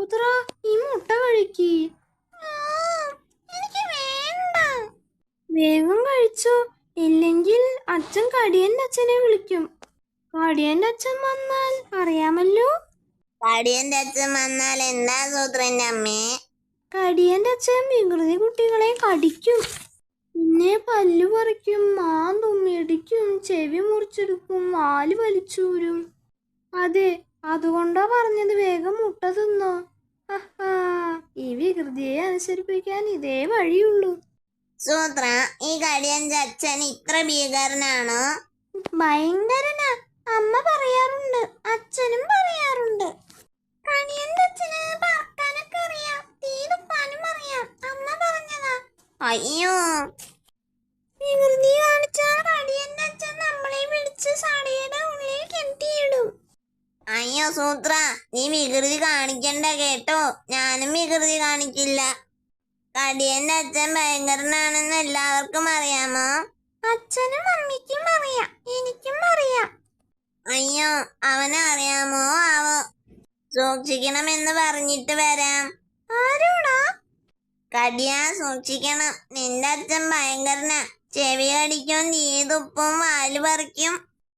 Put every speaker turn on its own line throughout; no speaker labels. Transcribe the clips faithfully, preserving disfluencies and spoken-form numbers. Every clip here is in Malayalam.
സൂത്ര ഈ മുട്ട കഴിക്ക്. എനിക്ക് വേണ്ട. വേഗം കഴിച്ചോ, ഇല്ലെങ്കിൽ അച്ഛൻ കടിയന്റെ അച്ഛനെ വിളിക്കും. കടിയന്റെ അച്ഛൻ വന്നാൽ അറിയാമല്ലോ.
കടിയന്റെ അച്ഛൻ വന്നാൽ എന്താ സൂത്രന്റെ അമ്മേ?
കടിയന്റെ അച്ഛൻ വികൃതി കുട്ടികളെ കടിക്കും, പിന്നെ പല്ലു പറിക്കും, മാന്തും, ഇടിക്കും, ചെവി മുറിച്ചെടുക്കും, വാല് വലിച്ചൂരും. അതെ, അതുകൊണ്ടാ പറഞ്ഞത് വേഗം മുട്ട തിന്നോ. ഈ വികൃതിയെ അനുസരിപ്പിക്കാൻ ഇതേ വഴിയുള്ളൂ.
സൂത്ര, ഈ കടിയന്റെ അച്ഛൻ ഇത്ര ഭീകരനാണോ?
ഭയങ്കരനാ. അമ്മ പറയാറുണ്ട്, അച്ഛനും പറയാറുണ്ട്. കടിയന്റെ അച്ഛന് പറക്കാനൊക്കെ അറിയാം, തീ തുപ്പാനും അറിയാം. അമ്മ പറഞ്ഞതാ.
അയ്യോ,
വികൃതി കാണിച്ചാൽ കടിയന്റെ അച്ഛൻ നമ്മളെ വിളിച്ച് സടയുടെ ഉള്ളിൽ കെട്ടിയിടും.
അയ്യോ സൂത്ര, നീ വികൃതി കാണിക്കണ്ട കേട്ടോ. ഞാനും വികൃതി കാണിക്കില്ല. കടിയന്റെ അച്ഛൻ ഭയങ്കരനാണെന്ന് എല്ലാവർക്കും അറിയാമോ?
അച്ഛനും അമ്മയ്ക്കും അറിയാം, എനിക്കും അറിയാം.
അയ്യോ, അവനെ അറിയാമോ? ആവോ, സൂക്ഷിക്കണമെന്ന് പറഞ്ഞിട്ട് വരാം.
ആരോടാ?
കടിയാ, സൂക്ഷിക്കണം. നിന്റെ അച്ഛൻ ഭയങ്കരനാ. ചെവി കടിക്കും, തീ തുപ്പും, വാല് പറിക്കും.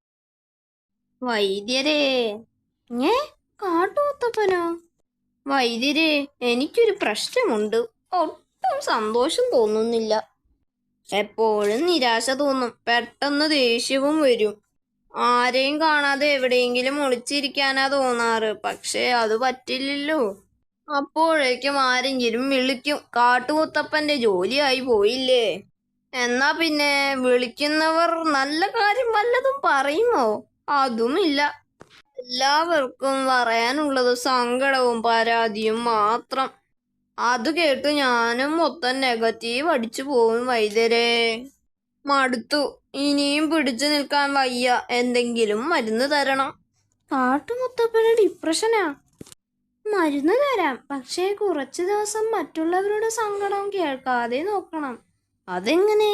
വൈദ്യരേ. ഏ, കാട്ടുമുത്തപ്പനോ? വൈദ്യരേ, എനിക്കൊരു പ്രശ്നമുണ്ട്. ഒട്ടും സന്തോഷം തോന്നുന്നില്ല. എപ്പോഴും നിരാശ തോന്നും, പെട്ടെന്ന് ദേഷ്യവും വരും. ആരെയും കാണാതെ എവിടെയെങ്കിലും ഒളിച്ചിരിക്കാനാ തോന്നാറ്. പക്ഷേ അത് പറ്റില്ലല്ലോ. അപ്പോഴേക്കും ആരെങ്കിലും വിളിക്കും. കാട്ടുമുത്തപ്പന്റെ ജോലിയായി പോയില്ലേ. എന്നാ പിന്നെ വിളിക്കുന്നവർ നല്ല കാര്യം വല്ലതും പറയുമോ? അതുമില്ല. എല്ലാവർക്കും പറയാനുള്ളത് സങ്കടവും പരാതിയും മാത്രം. അത് കേട്ട് ഞാനും മൊത്തം നെഗറ്റീവ് അടിച്ചു പോവും. വൈദ്യരേ, മടുത്തു. ഇനിയും പിടിച്ചു നിൽക്കാൻ വയ്യ. എന്തെങ്കിലും മരുന്ന് തരണം. കാട്ടുമുത്തപ്പന് ഡിപ്രഷനാ. മരുന്ന് തരാം, പക്ഷേ കുറച്ചു ദിവസം മറ്റുള്ളവരുടെ സങ്കടം കേൾക്കാതെ നോക്കണം. അതെങ്ങനെ?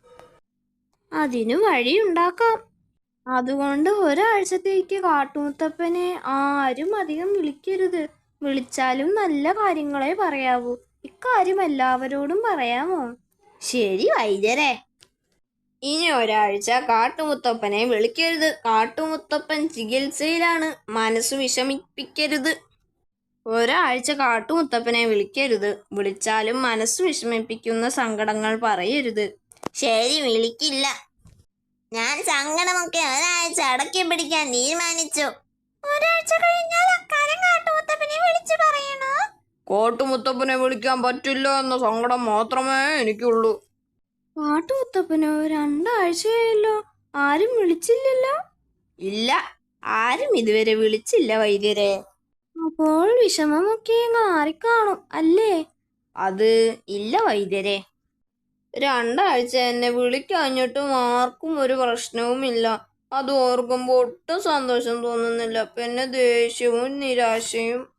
അതിനു വഴിയുണ്ടാക്കാം. അതുകൊണ്ട് ഒരാഴ്ചത്തേക്ക് കാട്ടുമുത്തപ്പനെ ആരും അധികം വിളിക്കരുത്. വിളിച്ചാലും നല്ല കാര്യങ്ങളെ പറയാവൂ. ഇക്കാര്യം എല്ലാവരോടും പറയാമോ? ശരി വൈദ്യരേ. ഇനി ഒരാഴ്ച കാട്ടുമുത്തപ്പനെ വിളിക്കരുത്. കാട്ടുമുത്തപ്പൻ ചികിത്സയിലാണ്. മനസ്സ് വിഷമിപ്പിക്കരുത്. ഒരാഴ്ച കാട്ടുമുത്തപ്പനെ വിളിക്കരുത്. വിളിച്ചാലും മനസ്സ് വിഷമിപ്പിക്കുന്ന സങ്കടങ്ങൾ പറയരുത്.
ശരി, വിളിക്കില്ല. ഞാൻ സങ്കടമൊക്കെ ഒരാഴ്ച അടക്കി പിടിക്കാൻ തീരുമാനിച്ചു.
ഒരാഴ്ച കഴിഞ്ഞാൽ അക്കാര്യം കാട്ടുമുത്തപ്പനെ വിളിച്ചു പറയണോ?
കാട്ടുമുത്തപ്പനെ വിളിക്കാൻ പറ്റില്ല എന്ന സങ്കടം മാത്രമേ എനിക്കുള്ളൂ.
കാട്ടുമുത്തപ്പനോ? രണ്ടാഴ്ചയായല്ലോ, ആരും വിളിച്ചില്ലല്ലോ.
ഇല്ല, ആരും ഇതുവരെ വിളിച്ചില്ല വൈദ്യരെ.
അപ്പോൾ വിഷമമൊക്കെ മാറിക്കാണും അല്ലേ?
അത് ഇല്ല വൈദ്യരെ. രണ്ടാഴ്ച എന്നെ വിളിക്കഴിഞ്ഞിട്ടും ആർക്കും ഒരു പ്രശ്നവുമില്ല. അത് ഓർക്കുമ്പോൾ ഒട്ടും സന്തോഷം തോന്നുന്നില്ല. പിന്നെ ദേഷ്യവും നിരാശയും.